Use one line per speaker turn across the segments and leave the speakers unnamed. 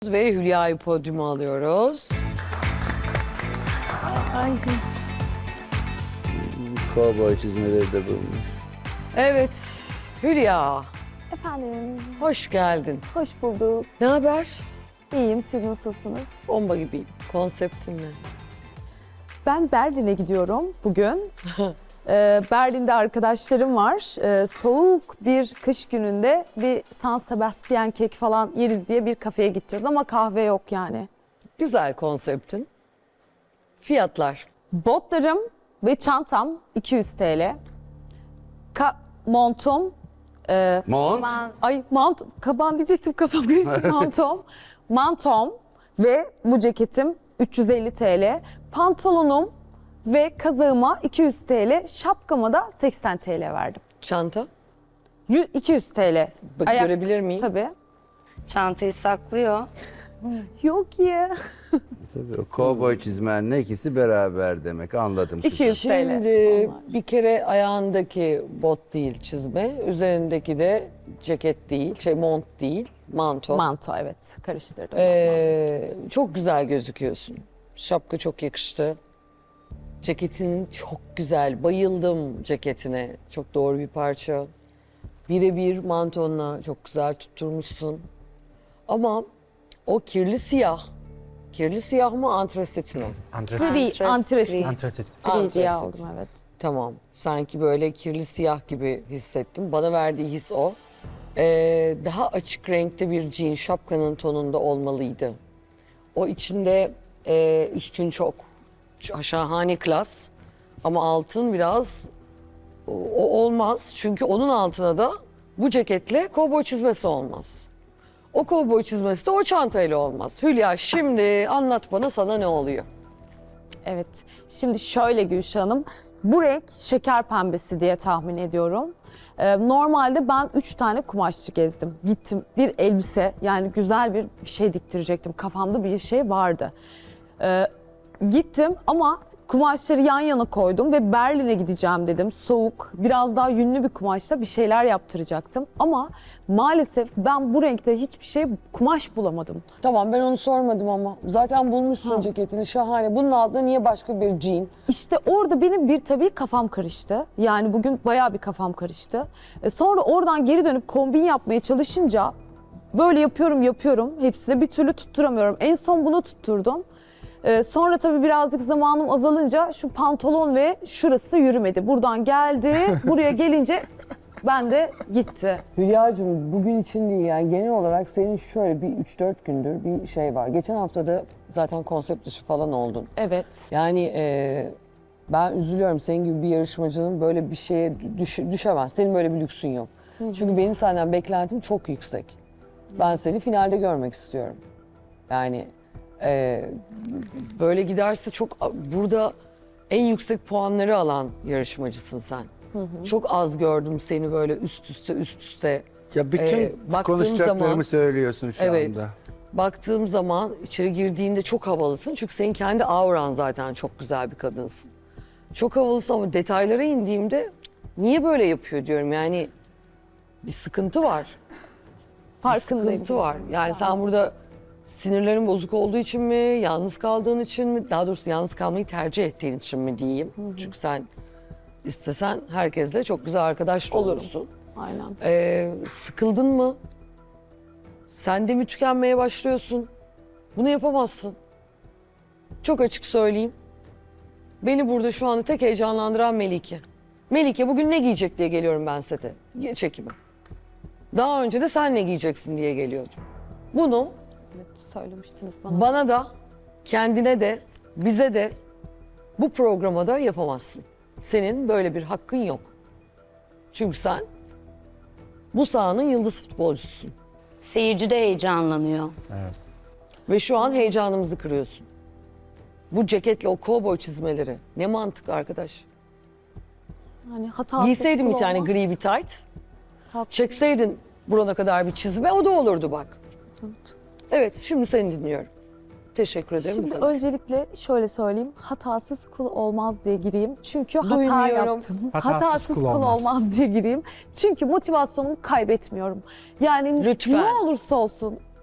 Ve Hülya'yı podyuma alıyoruz.
Ay.
Kovboy çizmeleri de bulmuş.
Evet, Hülya,
Efendim,
hoş geldin.
hoş bulduk.
Ne haber?
İyiyim, siz nasılsınız?
Bomba gibiyim. Konseptin ne?
Ben Berlin'e gidiyorum bugün. Berlin'de arkadaşlarım var. Soğuk bir kış gününde bir San Sebastian kek falan yeriz diye bir kafeye gideceğiz ama kahve yok yani.
Güzel konseptin. Fiyatlar.
Botlarım ve çantam 200 TL. Montum,
Mont.
kaban diyecektim kafam karıştı. Mantom ve bu ceketim 350 TL. Pantolonum ve kazağıma 200 TL. Şapkama da 80 TL verdim.
Çanta.
200 TL.
Bak, görebilir miyim?
Tabii.
Çantayı saklıyor.
Yok ya.
Tabii, o kovboy çizmenle ikisi beraber demek. Anladım.
200 TL.
Şimdi
Onlar.
bir kere ayağındaki bot değil çizme, üzerindeki de ceket değil, mont değil, manto.
Manto evet. Karıştırdım.
Çok güzel gözüküyorsun. Şapka çok yakıştı. Ceketin çok güzel. Bayıldım ceketine. Çok doğru bir parça. Birebir mantonla çok güzel tutturmuşsun. Ama o kirli siyah. Kirli siyah mı, antrasit mi?
Antrasit.
Gri, antresit.
Antrasit.
Gri diye
Antrasit.
aldım evet.
Tamam. Sanki böyle kirli siyah gibi hissettim. Bana verdiği his o. Daha açık renkte bir jean şapkanın tonunda olmalıydı. O içinde üstün çok şahane klas. Ama altın biraz o olmaz. Çünkü onun altına da bu ceketle kovboy çizmesi olmaz. O kovboy çizmesi de o çantayla olmaz. Hülya, şimdi anlat bana, sana ne oluyor?
Evet. Şimdi şöyle Gülşah Hanım, bu renk şeker pembesi diye tahmin ediyorum. Normalde ben 3 tane kumaşçı gezdim. Gittim bir elbise, yani güzel bir şey diktirecektim. Kafamda bir şey vardı. Gittim ama kumaşları yan yana koydum ve Berlin'e gideceğim dedim. Soğuk, biraz daha yünlü bir kumaşla bir şeyler yaptıracaktım. Ama maalesef ben bu renkte hiçbir şey kumaş bulamadım.
Tamam, ben onu sormadım ama. Zaten bulmuşsun ceketini, şahane. Bunun altında niye başka bir jean?
İşte orada benim tabii kafam karıştı. Yani bugün bayağı bir kafam karıştı. Sonra oradan geri dönüp kombin yapmaya çalışınca böyle yapıyorum. Hepsini bir türlü tutturamıyorum. En son bunu tutturdum. Sonra tabii birazcık zamanım azalınca şu pantolon ve şurası yürümedi. Buradan geldi, buraya gelince ben de gitti.
Hülya'cığım, bugün için değil yani, genel olarak senin şöyle bir 3-4 gündür bir şey var. Geçen hafta da zaten konsept dışı falan oldun.
Evet.
Yani ben üzülüyorum, senin gibi bir yarışmacının böyle bir şeye düşemez. Senin böyle bir lüksün yok. Çünkü benim senden beklentim çok yüksek. Ben seni finalde görmek istiyorum. Yani böyle giderse çok, burada en yüksek puanları alan yarışmacısın sen. Çok az gördüm seni böyle üst üste.
Ya bütün
baktığım
konuşacaklarımı
zaman-
söylüyorsun şu
Evet.
anda.
Baktığım zaman içeri girdiğinde çok havalısın. Çünkü senin kendi auran zaten çok güzel bir kadınsın. Çok havalısın ama detaylara indiğimde niye böyle yapıyor diyorum. Yani bir sıkıntı var. Bir
Farkındayım.
sıkıntı var. Yani sen burada sinirlerin bozuk olduğu için mi, yalnız kaldığın için mi, daha doğrusu yalnız kalmayı tercih ettiğin için mi diyeyim. Çünkü sen istesen herkesle çok güzel arkadaş da
Olurum.
olursun.
Aynen.
Sıkıldın mı? Sen de mi tükenmeye başlıyorsun? Bunu yapamazsın. Çok açık söyleyeyim. Beni burada şu anda tek heyecanlandıran Melike. Melike bugün ne giyecek diye geliyorum ben sete, çekime. Daha önce de sen ne giyeceksin diye geliyordum. Bunu
Evet, söylemiştiniz bana.
bana da, kendine de, bize de, bu programa da yapamazsın. Senin böyle bir hakkın yok. Çünkü sen bu sahanın yıldız futbolcususun.
Seyirci de heyecanlanıyor.
Evet.
Ve şu an heyecanımızı kırıyorsun. Bu ceketle o kovboy çizmeleri. Ne mantık arkadaş.
Hani hatasız
Giyseydin bir
kul
tane
olmaz.
gri bir tight.
Haklısın.
Çekseydin burana kadar bir çizme, o da olurdu bak. Evet, şimdi seni dinliyorum. Teşekkür ederim.
Şimdi
Bu kadar.
öncelikle şöyle söyleyeyim. Hatasız kul olmaz diye gireyim. Çünkü hata
Duymuyorum.
yaptım.
Hatasız kul olmaz.
diye gireyim. Çünkü motivasyonumu kaybetmiyorum. Yani
Lütfen.
ne olursa olsun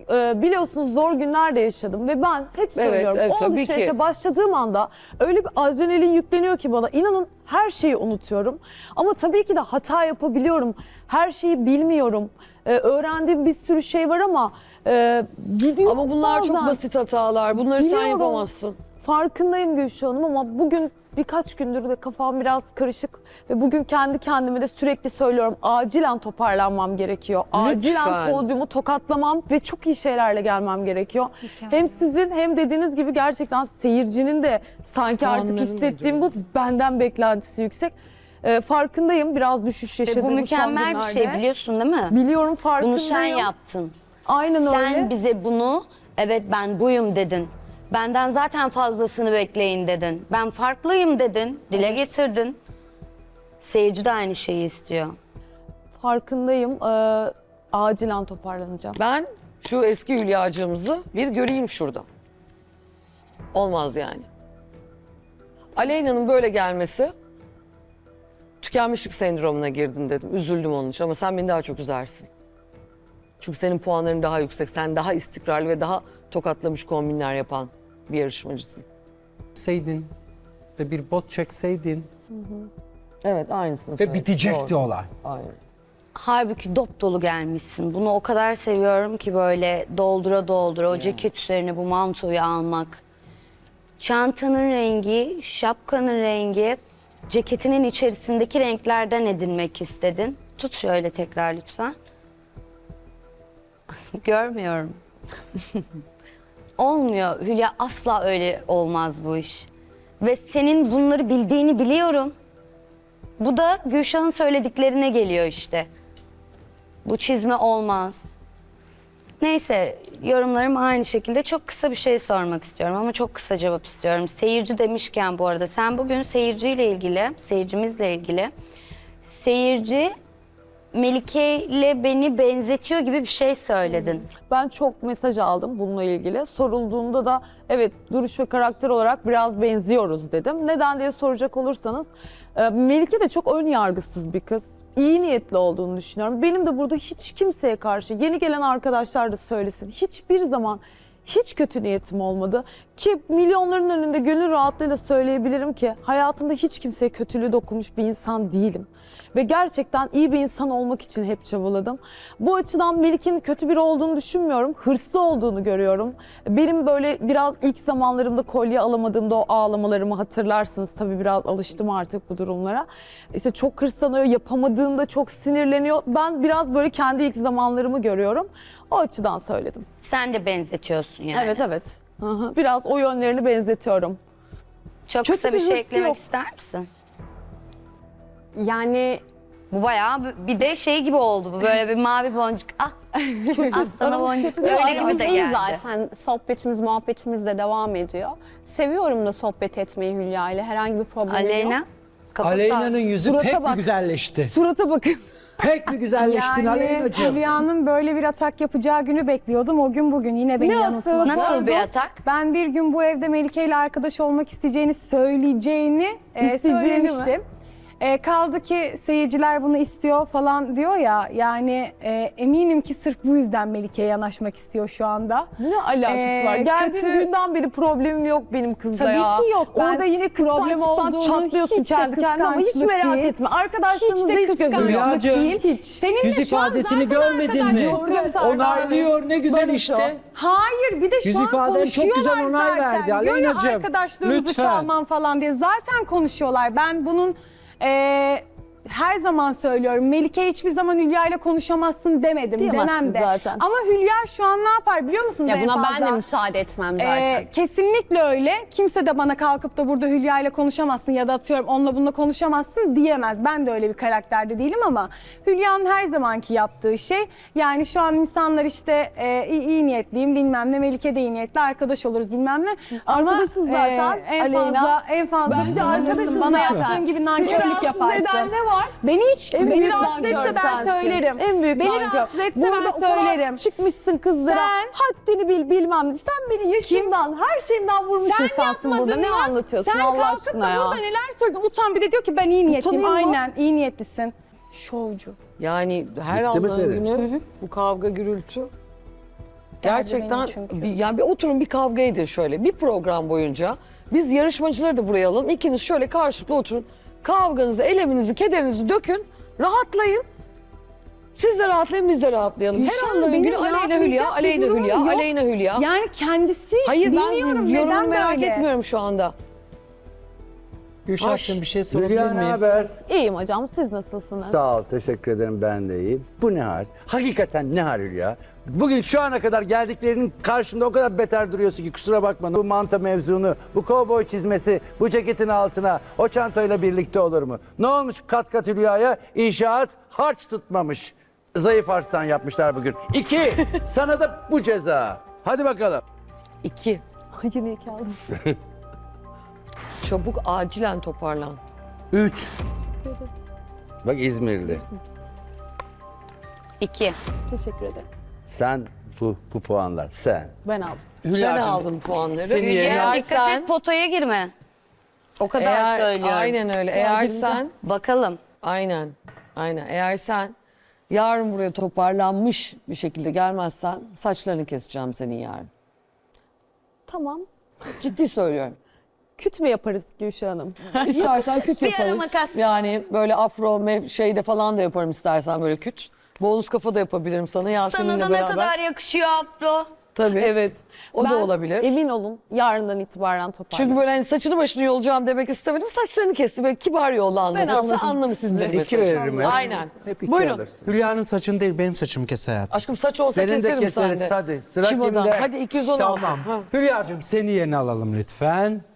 biliyorsunuz zor günler de yaşadım ve ben hep söylüyorum
evet,
o
tabii
alışverişe
ki.
başladığım anda öyle bir adrenalin yükleniyor ki bana, inanın her şeyi unutuyorum. Ama tabii ki de hata yapabiliyorum. Her şeyi bilmiyorum. Öğrendiğim bir sürü şey var ama gidiyor
Ama bunlar çok
bazen.
basit hatalar. Bunları sen
Biliyorum.
yapamazsın.
Farkındayım Gülşah Hanım ama bugün birkaç gündür de kafam biraz karışık ve bugün kendi kendime de sürekli söylüyorum, acilen toparlanmam gerekiyor. Acilen
Lütfen.
podyumu tokatlamam ve çok iyi şeylerle gelmem gerekiyor. Hem sizin hem dediğiniz gibi gerçekten seyircinin de sanki artık
Puanların
hissettiğim bu, benden beklentisi yüksek. Farkındayım, biraz düşüş
Ve
yaşadığım
bu
son
mükemmel bir
günlerde.
şey, biliyorsun değil mi?
Biliyorum, farkındayım.
Bunu sen yaptın.
Aynen
Sen
öyle.
bize bunu, evet ben buyum dedin. Benden zaten fazlasını bekleyin dedin. Ben farklıyım dedin, dile getirdin. Seyirci de aynı şeyi istiyor.
Farkındayım. Acilen toparlanacağım.
Ben şu eski Hülya'cığımızı bir göreyim şurada. Olmaz yani. Aleyna'nın böyle gelmesi, tükenmişlik sendromuna girdin dedim. Üzüldüm onun için ama sen beni daha çok üzersin. Çünkü senin puanların daha yüksek. Sen daha istikrarlı ve daha tokatlamış kombinler yapan bir yarışmacısın.
Çekseydin ve bir bot çekseydin
Evet, aynısını
Ve
söyledim.
bitecekti
Doğru.
olay.
Aynen.
Halbuki dop dolu gelmişsin. Bunu o kadar seviyorum ki böyle doldura doldura o ceket üzerine bu mantoyu almak. Çantanın rengi, şapkanın rengi, ceketinin içerisindeki renklerden edinmek istedin. Tut şöyle tekrar lütfen. Görmüyorum. Olmuyor Hülya, asla öyle olmaz bu iş. Ve senin bunları bildiğini biliyorum. Bu da Gülşah'ın söylediklerine geliyor işte. Bu çizme olmaz. Neyse, yorumlarım aynı şekilde. Çok kısa bir şey sormak istiyorum ama çok kısa cevap istiyorum. Seyirci demişken bu arada sen bugün seyirciyle ilgili, seyircimizle ilgili seyirci Melike ile beni benzetiyor gibi bir şey söyledin.
Ben çok mesaj aldım bununla ilgili. Sorulduğunda da evet, duruş ve karakter olarak biraz benziyoruz dedim. Neden diye soracak olursanız Melike de çok ön yargısız bir kız. İyi niyetli olduğunu düşünüyorum. Benim de burada hiç kimseye karşı, yeni gelen arkadaşlar da söylesin, hiçbir zaman hiç kötü niyetim olmadı. Ki milyonların önünde gönül rahatlığıyla söyleyebilirim ki hayatımda hiç kimseye kötülüğü dokunmuş bir insan değilim. Ve gerçekten iyi bir insan olmak için hep çabaladım. Bu açıdan Melike'nin kötü biri olduğunu düşünmüyorum. Hırslı olduğunu görüyorum. Benim böyle biraz ilk zamanlarımda kolye alamadığımda o ağlamalarımı hatırlarsınız. Tabii biraz alıştım artık bu durumlara. İşte çok hırslanıyor, yapamadığında çok sinirleniyor. Ben biraz böyle kendi ilk zamanlarımı görüyorum. O açıdan söyledim.
Sen de benzetiyorsun yani.
Evet, evet. Hı hı. Biraz o yönlerini benzetiyorum.
Çok
Kötü
kısa
bir
bir şey
hırsı
eklemek
yok.
ister misin?
Yani
Bu bayağı bir de şey gibi oldu bu, böyle bir mavi boncuk. Ah, ah sana boncuk. Öyle gibi de
aramızda
geldi.
zaten sohbetimiz, muhabbetimiz de devam ediyor. Seviyorum da sohbet etmeyi Hülya ile. Herhangi bir problemim
Aleyna.
yok.
kafası
Aleyna'nın yüzü
Surata
pek bir
bak.
güzelleşti.
Surata bakın.
Pek bir güzelleştin Aleyna'cığım.
Hülya'nın böyle bir atak yapacağı günü bekliyordum. O gün bugün yine beni
Ne
yanıltmadı.
Nasıl bir atak?
Ben bir gün bu evde Melike ile arkadaş olmak söyleyeceğini söylemiştim. Kaldı ki seyirciler bunu istiyor falan diyor ya, yani eminim ki sırf bu yüzden Melike'ye yanaşmak istiyor şu anda.
Ne alakası var? Geldiğim
kötü-
günden beri problemim yok benim kızla
Tabii
ya.
ki yok. Ben
Orada yine
problem
kıskançlıktan
olduğunu
çatlıyorsun
hiç de
kendi kendine ama hiç
kıskançlık
merak
değil.
etme. Arkadaşlarınızda
Hiç de
hiç gözüm yok.
kıskançlık
Hülya'cığım,
değil.
Hiç.
Seninle
Yüz
şu an
ifadesini
zaten
görmedin mi?
arkadaş yok.
Onaylıyor, ne güzel
Barış
işte.
Hayır, bir de şu
Yüz
an
ifaden çok güzel
konuşuyorlar
onay
zaten.
verdi
Diyor ya,
Aleyna'cığım.
arkadaşlarınızı
Lütfen.
çalmam falan diye zaten konuşuyorlar. Ben bunun her zaman söylüyorum. Melike hiçbir zaman Hülya ile konuşamazsın demedim.
Diyemezsin
Demem de.
zaten.
Ama Hülya şu an ne yapar biliyor musunuz
Ya
en
buna
fazla?
ben de müsaade etmem zaten.
Kesinlikle öyle. Kimse de bana kalkıp da burada Hülya ile konuşamazsın ya da atıyorum onunla bununla konuşamazsın diyemez. Ben de öyle bir karakterde değilim ama Hülya'nın her zamanki yaptığı şey, yani şu an insanlar işte iyi niyetliyim bilmem ne, Melike de iyi niyetli, arkadaş oluruz bilmem ne. Ama
Arkadaşız zaten,
en
Aleyna.
fazla
Bence arkadaşız
bana
zaten.
yaptığın gibi
Seni
nankörlük
rahatsız
yaparsın.
eden ne var?
Beni hiç
En
beni
büyük
rahatsız etse
nankör
ben
sensin.
söylerim.
En büyük
Beni
nankör.
rahatsız etse
Burada
ben
o kadar
söylerim.
çıkmışsın kızlara.
Sen-
Haddini bil bilmem ne. Sen beni yaşımdan, her şeyimden vurmuş
Sen
insansın burada.
yapmadın
Ne
mı?
anlatıyorsun
Sen
Allah
kalkıp
aşkına
da
ya?
burada neler söyledin? Utan, bir de diyor ki ben iyi niyetliyim.
Utanayım mı?
Aynen, iyi niyetlisin. Şovcu.
Yani her
Bitti mi
Allah'ın
Feri?
günü bu kavga gürültü Gerçekten
beni çünkü.
yani bir oturun bir kavga edin şöyle bir program boyunca. Biz yarışmacıları da buraya alalım. İkiniz şöyle karşılıklı oturun. Kavganızı, eleminizi, kederinizi dökün. Rahatlayın. Siz de rahatlayın, biz de rahatlayalım. Her
Gülşah,
anda
benim
Gülü Aleyna
rahatlayacak
Hülya,
bir
Aleyna
durumum
Hülya,
yok.
Aleyna Hülya.
Yani kendisi
Hayır
bilmiyorum
ben
neden
yorumumu merak
böyle.
etmiyorum şu anda.
Gülşah'cığım bir şey sorabilir
Hülya ne
miyim?
haber?
İyiyim hocam, siz nasılsınız?
Sağ ol, teşekkür ederim, ben de iyiyim. Bu ne hal? Hakikaten ne hal Hülya? Bugün şu ana kadar geldiklerinin karşımda o kadar beter duruyorsun ki kusura bakma. Bu manta mevzunu, bu kovboy çizmesi, bu ceketin altına, o çantayla birlikte olur mu? Ne olmuş kat kat Hülya'ya? İnşaat harç tutmamış. Zayıf harçtan yapmışlar bugün. 2, sana da bu ceza. Hadi bakalım.
2.
Ay, yine iki aldım.
Çabuk acilen toparlan.
3. Bak İzmirli.
2.
Teşekkür ederim.
Sen bu puanlar. Sen.
Ben aldım.
Sen
Hülya'cığım,
aldın puanları.
seni
Hülya
yerine-
dikkat et potaya girme. O kadar söylüyorum.
Aynen öyle. Eğer
gireceğim.
sen
Bakalım.
aynen eğer sen yarın buraya toparlanmış bir şekilde gelmezsen saçlarını keseceğim senin yarın.
Tamam.
Ciddi söylüyorum.
Küt mü yaparız Gülşah Hanım?
İstersen küt
Bir ara
yaparız.
makas.
Yani böyle afro şeyde falan da yaparım istersen böyle küt. Bonus kafa da yapabilirim sana Yasemin'le
Sana da
beraber.
ne kadar yakışıyor afro.
Tabii.
Evet.
O da
Ben,
olabilir.
Emin olun yarından itibaren toparlayacağım.
Çünkü böyle hani saçını başını yolacağım demek istemedim. Saçlarını kesti böyle kibar yolla anlatacağım. Sen
anladım.
anlamışsındır.
İki
mesajı.
veririm hep.
Aynen.
Hep iki
Buyurun.
alırsın.
Hülya'nın saçını değil benim saçımı kes hayatım.
Aşkım saç olsa
Senin de
keserim
keseriz,
sende.
hadi. Sıra
Şiva'dan.
kimde?
Hadi 216.
Tamam.
Ha.
Hülya'cığım seni yerine alalım lütfen.